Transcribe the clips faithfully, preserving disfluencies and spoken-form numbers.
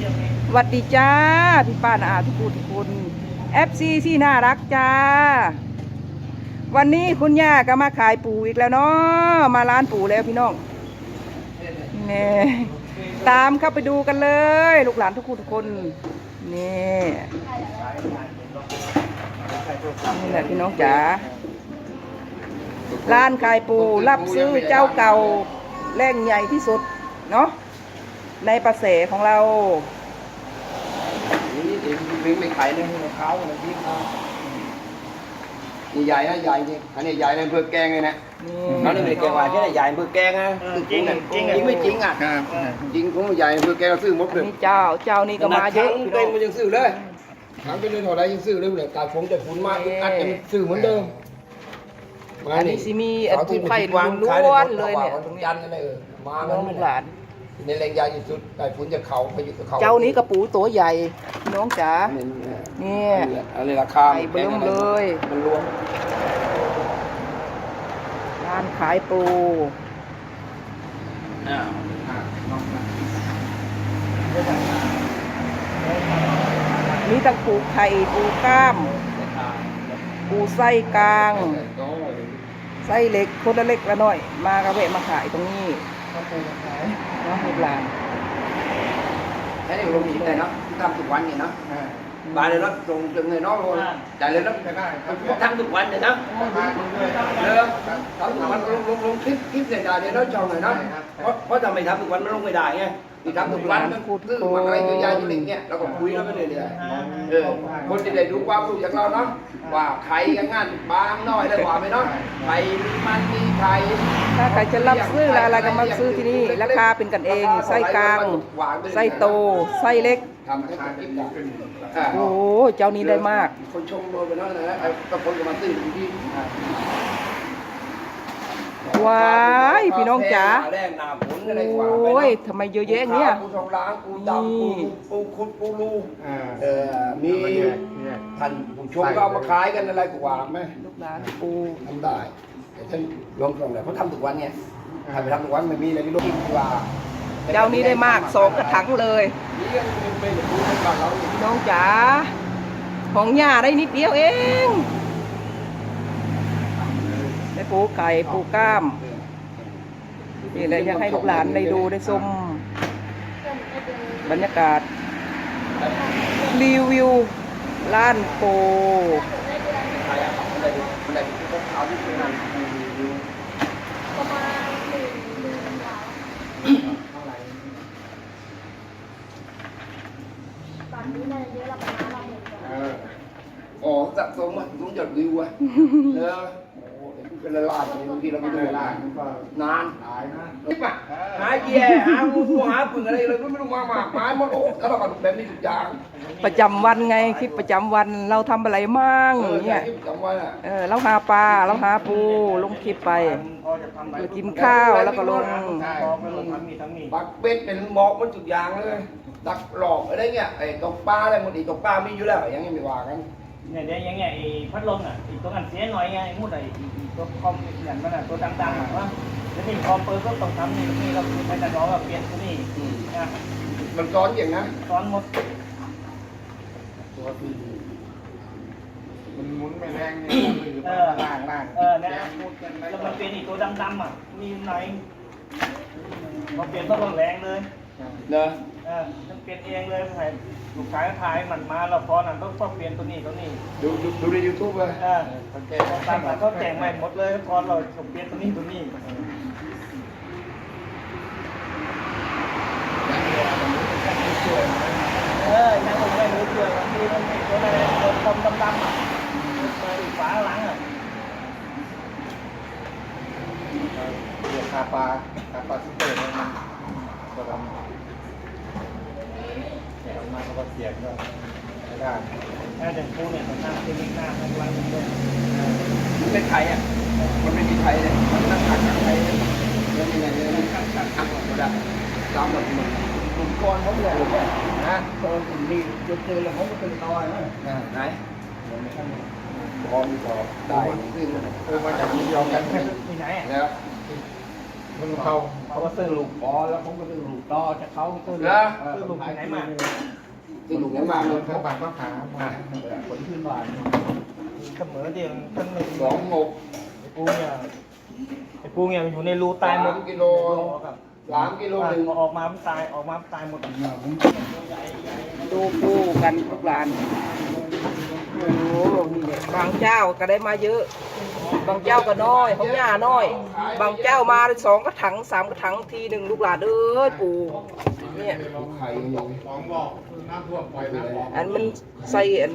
สวัสดีจ้าพี่ป้านาอาทุกคนทุกคนเอฟซีที่น่ารักจ้าวันนี้คุณย่าก็มาขายปูอีกแล้วเนาะมาร้านปูแล้วพี่น้องนี่ตามเข้าไปดูกันเลยลูกหลานทุกคนทุกคนนี่นี่แหละพี่น้องจ๋าร้านขายปูรับซื้อเจ้าเก่าแร่งใหญ่ที่สุดเนาะในประเสของเรานี่เองวิ่งไม่ขายในหัวเขาอะไรที่เขาใหญ่นะใหญ่จริงอันนี้ใหญ่ในเพื่อแกงเลยนะน้องนี่ไม่แกงว่าแค่ใหญ่เพื่อแกงนะจริงจริงจริงไม่จริงอ่ะจริงของใหญ่เพื่อแกงเราซื้อหมดเลยนี่เจ้าเจ้านี่ก็มาเยอะพี่น้องมันยังซื้อเลยถามไปเลยเท่าไรยังซื้อเลยเลยตาฟงแต่ฝุ่นมากอัดยังซื้อเหมือนเดิมอันนี้สิมีอันปูไข่ล้วนเลยเนี่ยยันอะไรเออมาน้องลูกหลานในแรงยาที่สุดแต่ฝุ่นจะเข่าไปอยู่กับเขาเจ้านี้กระปูตัวใหญ่น้องจ๋านี่อะไรราคาไข่เบิ่มเลยมันรวมร้านขายปูมีตั้งปูไข่ปูกล้ามปูไส้กลางไส้เล็กคนละเล็กละน้อยมากระเวะมาขายตรงนี้น้องลูกหลานแค่นี้ลงชิ้นเลยเนาะทำทุกวันเนี่ยเนาะบานเลยเนาะลงจนเงินน้องเลยจ่ายเลยเนาะทำทุกวันเนี่ยเนาะเริ่มทำทุกวันลงลงลงคลิปคลิปเสียดายเนี่ยเนาะจองหน่อยเนาะเพราะเพราะทำไมทำทุกวันมันลงไม่ได้ไงที่ทำทุกวันมันคือมันอะไรเยอะแยะอย่างเงี้ยเราก็คุยแล้วไม่เลยเลยเออคนจะได้ดูความรู้จากเราเนาะว่าใครกันงานบางน้อยได้กว่าไหมเนาะใครมันมีใครถ้าใครจะรับซื้ออะไรก็มาซื้อที่นี่ราคาเป็นกันเองไส้กลางไส้โตไส้เล็กทำให้คลิปได้โอ้เจ้านี้ได้มากคนชมโดนไปแล้วนะก็คนก็มาซื้อที่ว้ายพี่น้องจ๋าโอ้ยทำไมเยอะแยะเงี้ยปูทองล้างปูดำปูปูคุดปูลูเออมีท่านผู้ชมก็เอามาขายกันอะไรกว่าไหมลูกหลานปูทำได้แต่ท่านลงตรงไหนเขาทำทุกวันไงทำไปทำทุกวันไม่มีอะไรที่ลงกว่าเจ้านี้ได้มากสองกระถางเลยพี่น้องจ๋าของย่าได้นิดเดียวเองได้ปูไก่ปูกล้ามนี่แหละอยากให้ลูกหลานได้ดูได้ชมบรรยากาศรีวิวร้านปูอ๋อสะสมอ่ะต้องหยดวิวอ่ะเนอะเป็นละลายบางทีเราไม่ดูนานนานหายนะนี่ป่ะหาแย่หางูหาพึ่งอะไรเลยไม่รู้มากมากไม้หมดโอ้แล้วเราก็แบบนี้ทุกอย่างประจำวันไงคลิปประจำวันเราทำอะไรมั่งเนี่ยเออเราหาปลาเราหาปูลงคลิปไปเรากินข้าวแล้วก็ลงปักเป็ดเป็นหมอกมันทุกอย่างเลยดักหลอกอะไรเงี้ยไอ้ตกปลาอะไรมันอีตกปลามีอยู่แล้วยังไม่ว่ากันเนี่ยเดี๋ยวอย่างเงี้ยไอ้พัดลมอ่ะอีกตัวกันเสียหน่อยไงมุดไอ้ตัวคอมเหมือนมันอ่ะตัวดังๆอ่ะว่าแล้วนี่คอมเปิดก็ต้องทำนี่นี่เราคือไปแต่ร้องแบบเปลี่ยนตัวนี้นะมันซ้อนอย่างนั้นซ้อนหมดตัวที่มันหมุนไม่แรงเนี่ยเออล่างล่างเออเนี่ยแล้วมันเป็นอีกตัวดำๆอ่ะมีไหนพอเปลี่ยนต้องแรงเลยเนอะเออต้องเปลี่ยนเองเลยใส่ลูกค้าถ่ายมันมาเราพอนั้นต้องต้องเปลี่ยนตัวนี้ตัวนี้ดูดูดูในยูทูบเลยเออเขาแจกตามเขาแจกใหม่หมดเลยพอเราเปลี่ยนตัวนี้ตัวนี้เออยังผมไม่รู้เรื่องบางทีมันมีตัวอะไรตัวคมดำๆอ่ะตัวฝาหลังอ่ะเรียกคาปลาคาปลาซิเตอร์มันตัวดำเนี่ยมาเขาก็เสียบก็ไม่ได้ถ้าเด็กปูเนี่ยมันนั่งที่นี่หน้าข้างล่างมันมันเป็นไทยอ่ะมันไม่มีไทยเลยมันนั่งขัดขัดไทยเลยแล้วยังไงเนี่ยมันขัดขัดขัดหมดเลยตามแบบเหมือนกลุ่มก้อนเขาเลยนะตอนกลุ่มนี้จุดเจอแล้วเขาก็เป็นตอยนะไหนพอมีพอได้ซึ่งเออมาจากมียอมกันที่ไหนแล้วมันเข้าไปเขาก็ซื้อลูกพอแล้วผมก็ซื้อลูกต่อจากเขาซื้อเหรอซื้อลูกที่ไหนมาที่ลูกยังมาเลยเขาบางก็ขาคนขึ้นบ้านเสมอเดียวกันหนึ่งสองหกไอ้ปูเนี่ยไอ้ปูเนี่ยมันอยู่ในรูตายหมดสามกิโลครับสามกิโลหนึ่งออกมามันตายออกมามันตายหมดดูปูกันทุกร้านโอ้โหนี่แหละบางเจ้าก็ได้มาเยอะ บางเจ้าก็น้อยของย่าน้อย บางเจ้ามาสองกระถังสามกระถังทีหนึ่งลูกหลานเอ้ยปูเนี่ยไข่ยังสองบอกน้ำท่วมปล่อยน้ำบอกอันมันใส่อัน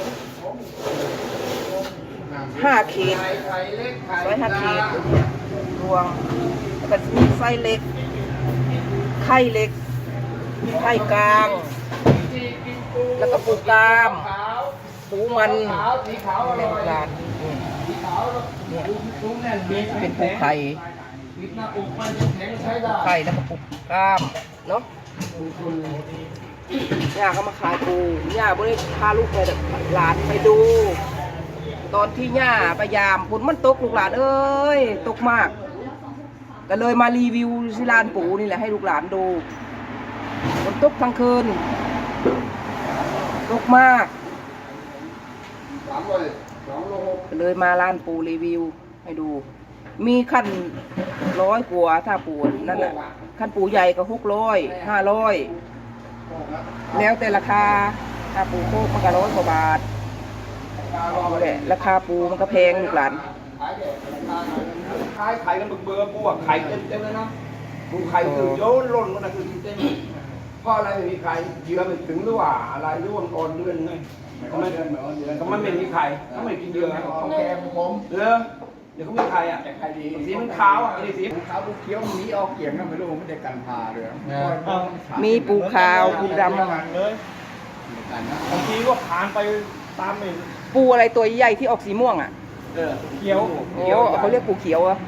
ห้าขีดไข่ไข่เล็กไข่ไว้ห้าขีดรวงแล้วก็มีไส้เล็ก ไข่เล็ก ไข่กลาง แล้วก็ปูกล้ามขาวปูมันขาวสีขาวอในร่อยร้านสีขาวเนี่ยซุ้มแน่นเป็นปูไข่ปิดหน้าอกมันแข็งใช้ได้ไข่แล้วก็ปูกล้ามเนาะย่าเขามาขายปูย่าบ่ได้พาลูกไปหลานไปดู ตอนที่ย่าพยายามฝนมันตกลูกหลานเอ้ยตกมาก ก็เลยมารีวิวที่ร้านปูนี่แหละให้ลูกหลานดูฝนตกทั้งคืนตกมากสามเลยสองโลหกก็เลยมาร้านปูรีวิวให้ดู มีขั้นร้อยกว่าถ้าปูนั่นแหละขั้นปูใหญ่ก็หกร้อยห้าร้อยแล้วแต่ราคาถ้าปูโคกมันก็ร้อยกว่าบาทนี่แหละราคาปูมันก็แพงลูกหลานขายเด็กขายไข่กันเบื่อๆปูอะไข่เต็มเต็มเลยนะปูไข่คือโยนล่นมันนะคือเต็มเพราะอะไรไม่มีไข่เยื่อไม่ถึงหรือว่าอะไรหรือว่าอ่อนเดือนไงก็ไม่ก็ไม่มีไข่ก็ไม่กินเยื่อของแกของผมเออเดี๋ยวเขามีไข่อ่ะแต่ใครดีสีมันขาวอ่ะนี่สีขาวลูกเขียวหนีออกเกี่ยงนะไม่รู้ไม่ได้กันพาเลยมีปูขาวปูดเลยบางทีก็ผ่านไปตามไอ้ำปูอะไรตัวใหญ่ที่ออกสีม่วงอ่ะเออเขียวโอ้เขาเรียกปูเขียวเหรอะ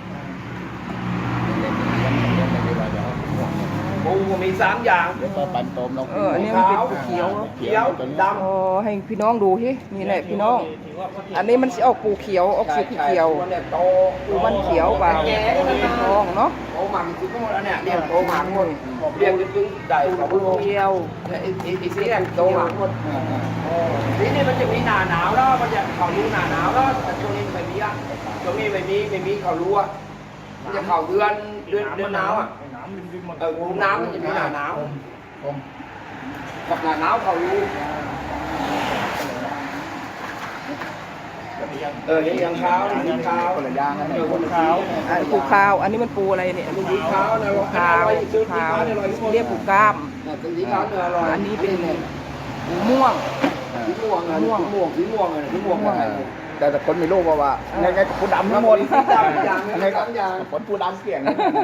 ปูมีสามอย่างเดี๋ยวต่อปันโตมเราเอออันนี้มันเป็นปูเขียวเหรอเขียวดำอ๋อให้พี่น้องดูที่นี่แหละพี่น้อง อันนี้มันสิออกปูเขียวออกสีเขียวเนี่ยโตปูมันเขียวเปล่าแก่เป็นทองเนาะโตหมักคือก็หมดแล้วเนี่ยเรียกโตหมักหมดเรียกจนๆได้ของปูเขียวไอ้ไอ้ไอ้สีแดงโตหมักหมดสีนี่มันจะมีหนาหนาวแล้วมันจะเขารู้หนาหนาวแล้วแต่ช่วงนี้ไม่มีอ่ะช่วงนี้ไม่มีไม่มีเขารู้อ่ะมันจะเข่าเดือนเดือนเดือนหนาวอ่ะน้ำริมๆหมดเออปูน้ำมันจะมีหนาหนาวผมกับหนาหนาวเขารู้เออยังเช้ายังเช้าคนละย่างนะเออคนขาวอันปูขาว อันนี้มันปูอะไรเนี่ยสีขาวนะปูขาวปูขาวเรียกปูกล้ามสีขาวเนื้ออร่อยอันนี้เป็นปูม่วงสีม่วงม่วงม่วงสีม่วงเลยสีม่วงอะไรแต่แต่คนไม่รู้ว่าว่าไงไงปูดำทั้งหมดสีดำอย่างไงสามอย่างคนปูดำเกี่ยง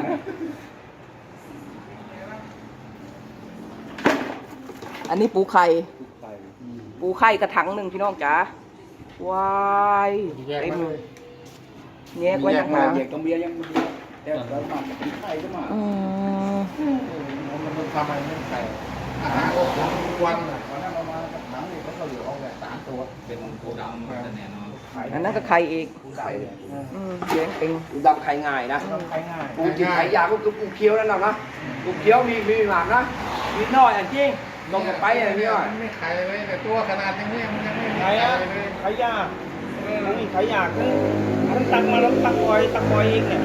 อันนี้ปูไข่ ปูไข่กระถังหนึ่งพี่น้องจ๋า ว้ายเต็มแยกไว้ต่างหากเด็กตรงเบียร์ยังมีเดี๋ยวเรามาไข่ก็มาอืมมันทำอะไรไม่ใส่อาหารโอ้โหวันวันนั้นเรามาหนังนี่เขาก็เหลือออกแบบสามตัวเป็นปูดำแน่นอนอันนั้นก็ไข่อีกไข่อืมแยงเป็นปูดำไข่ง่ายนะใช้ง่ายปูจิ๋วไข่ยาวก็คือปูเคี้ยวนั่นแหละนะปูเคี้ยวมีมีหมากนะมีน้อยอันจริงลงไปอะไรนี่อ่ะไม่ไข่เลยแต่ตัวขนาดนี้มันยังไม่ใช้อะใช้ยากนี่ใช้ยากทั้งทั้งตักมาแล้วตักปล่อยตักปล่อยอีกเนี่ย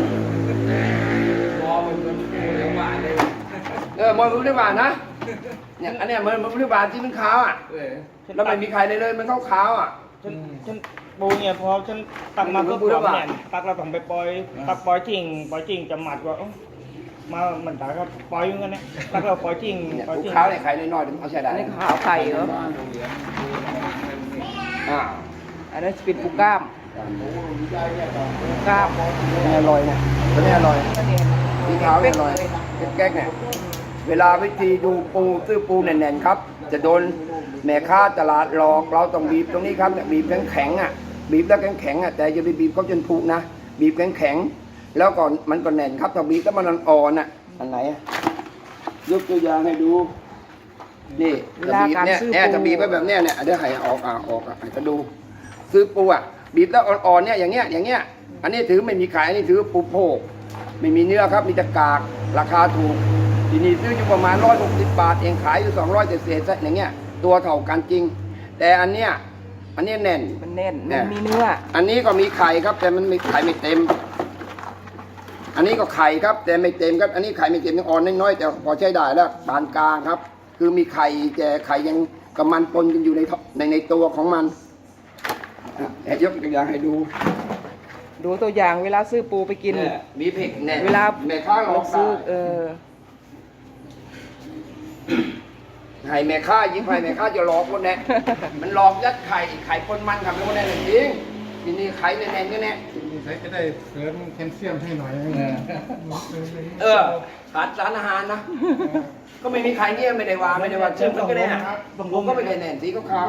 เออมันรู้ได้บาทนะเนี่ยอันเนี้ยมันมันรู้ได้บาทที่มันขาวอ่ะแล้วไม่มีไข่เลยเลยมันขาวขาวอ่ะฉันฉันปูเนี่ยพอฉันตักมาก็ปล่อยเนี่ยตักเราต้องไปปล่อยตักปล่อยจริงปล่อยจริงจะหมัดว่ามาเหมือนตาก็ปล่อยอย่างนั้นเนี่ยตักเราปล่อยจริงเนี่ยปล่อยปูจริงขาวเนี่ยไข่น้อยๆเอาใช้ได้อันนี้ขาวไข่เหรออ่าอันนั้นจะเป็นปูกล้ามปูกล้ามนี่อร่อยเนี่ยตัวนี้อร่อยอันนี้สีขาวเนี่ยอร่อยเป็นแก๊กเนี่ยเวลาวิธีดูปูซื้อปูแน่นๆครับ จะโดนแม่ค้าตลาดหลอกเราต้องบีบตรงนี้ครับเนี่ยบีบแข็งๆอ่ะบีบแล้วแข็งๆอ่ะแต่อย่าไปบีบเขาจนผุนะบีบแข็งๆแล้วก่อนมันก็แน่นครับถ้าบีบแล้วมันอ่อนๆอ่ะอันไหนอะยกตัวอย่างให้ดูนี่จะบีบเนี่ยเนี่ยจะบีบไว้แบบเนี้ยเนี่ยเดี๋ยวให้ออกอ่ะออกอ่ะให้ก็ดู ซื้อปูอ่ะบีบแล้วอ่อนๆเนี่ยอย่างเงี้ยอย่างเงี้ยอันนี้ถือไม่มีขายอันนี้ถือปูโพกไม่มีเนื้อครับมีแต่กากราคาถูกทีนี้ซื้ออยู่ประมาณร้อยหกสิบบาทเองขายอยู่สองร้อยเศษๆอย่างเงี้ยตัวเท่ากันจริง แต่อันเนี้ยอันนี้แน่นมันแน่นแน่มันมีเนื้ออันนี้ก็มีไข่ครับ แต่มันมีไข่ไม่เต็ม อันนี้ก็ไข่ครับ แต่ไม่เต็มครับ อันนี้ไข่ไม่เต็มยังอ่อนน้อยๆแต่พอใช้ได้แล้วปานกลางครับ คือมีไข่แต่ไข่ยังกับมันปนกันอยู่ในท่อในในตัวของมันอ่ะแต่ยกตัวอย่างให้ดูดูตัวอย่างเวลาซื้อปูไปกินเยมีเผ็ดแน่เวลาแม่ค้าหลอกซื้อได้เออให้แม่ค้ายิ่งให้แม่ค้าจะหลอกคนแน่ มันหลอกยัดไข่ไข่ปนมันกับคนแน่จริงทีนี้ไข่แน่ๆก็แน่ใช้จะได้เสริมแคลเซียมให้หน่อยเออขาดสารอาหารนะ ก็ไม่มีใครเนี่ยไม่ได้ว่าไม่ได้ว่าชื่อมันก็ได้นะผมก็ไม่ได้แน่นสีขาว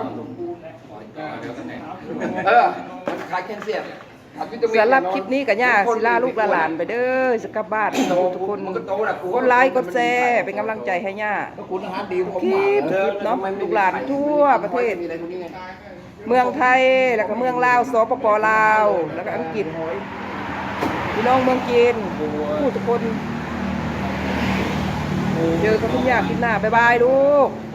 ๆเออมันขายแคลเซียมขาดวิตามินสำหรับคลิปนี้กับย่าศิลาลูกหลานไปเด้อสกลับบ้านทุกคนมันก็โตแหละกดไลค์กดแชร์เป็นกำลังใจให้ย่าก็คุณอาหารดีผมคลิปเนาะลูกหลานทั่วประเทศมีอะไรพวกนี้ไงเมืองไทยแล้วก็เมืองลาวสปปลาวแล้วก็อังกฤษพี่น้องเมืองจีนผู้ทุกคนเจอกันทุกอย่างคลิปหน้าบ๊ายบายลูก